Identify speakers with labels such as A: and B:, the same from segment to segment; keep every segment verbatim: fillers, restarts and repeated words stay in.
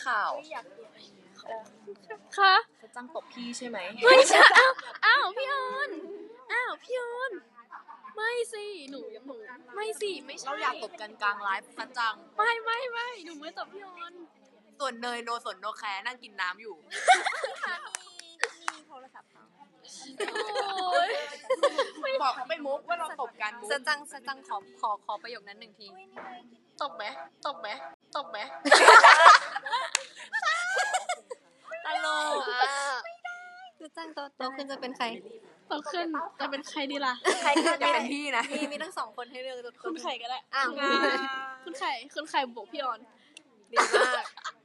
A: ข่าว
B: ค่ะ
A: จะจ้างตบพี่ใช่ไหม
B: ไม่ใช่อ้าวอ้าวพี่ออนอ้าวพี่ออนไม่สิหนูหนูไม่สิไม่ใช่
A: เราอยากตบกันกลางไลฟ์ซะจัง
B: ไม่ไม่ไม่หนูไม่ตบพี่ออน
A: ส่วนเนยโนสนโนแคร์นั่งกินน้ำอยู่
C: มีโทรศัพท์เขา
A: บอกเขาไปมุกว่าเราตบกันมุก
C: สจังสจังขอขอขอประโยคนั้นหนึ่งที
B: ตบไหมตบไหมตบไหม
C: ตลกสจังโตโตขึ้นจะเป็นใคร
B: โตขึ้นจะเป็นใครดีล่ะ
C: ใครก็
A: จะเป็นพี่นะ
C: มีมีทั้งสองคนให้เลือกทุกคน
B: คุณไข่ก็ได้
C: อ้าว
B: คุณไข่คุณไข่บวกพี่ออน
C: ดีมาก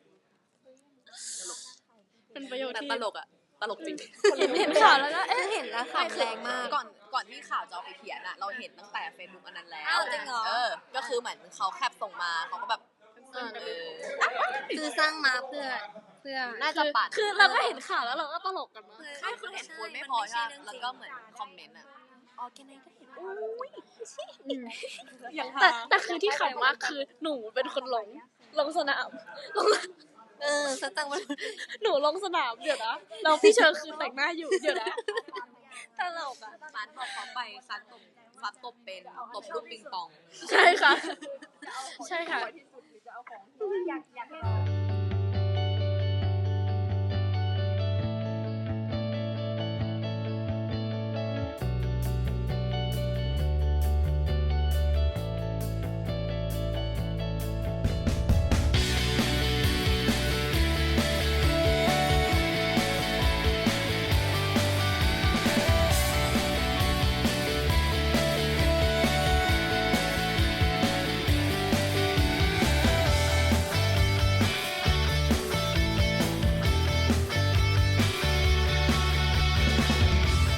B: เป็นประโยชน์ที่
A: ตลกอะตลกจริง
B: เห็นเห็นข่าวแล้วก็เอ๊ะ
C: เห็นแล้วค่ะแรงมาก
A: ก่อนก่อนที่ข่าวจะเอาไปเขียนอะเราเห็นตั้งแต่เฟซบุ๊กอันนั้นแล้ว
C: จริงเหรอ
A: เออก็คือเหมือนเขาแคปส่งมาเขาก็แบบเออ
C: คือสร้างมาเพื่อเพื่อ
A: น่าจะปัด
B: คือเราก็เห็นข่าวแล้วเราก็ตลกกันมาก
A: ใช่คือเห็นโพสไม่พอใช่แล้วก็เหมือนคอมเมนต์อะ
C: ออร์แกไนซ์ก็เห็น
B: แต่แต่คือที่ขำมากคือหนูเป็นคนลงลงสนามลง
C: เออสจังมัน
B: หนูลงสนามเดี๋ยวนะเราพี่เชอร์คือแต่งหน้าอยู่เดี๋ยวนะ
C: ตลกอ่ะ
A: ซันบอกเขาไปซันตบซันตบเป็นตบลูกปิงปอง
B: ใช่ค่ะใช่ค่ะ
C: อยากอยากให้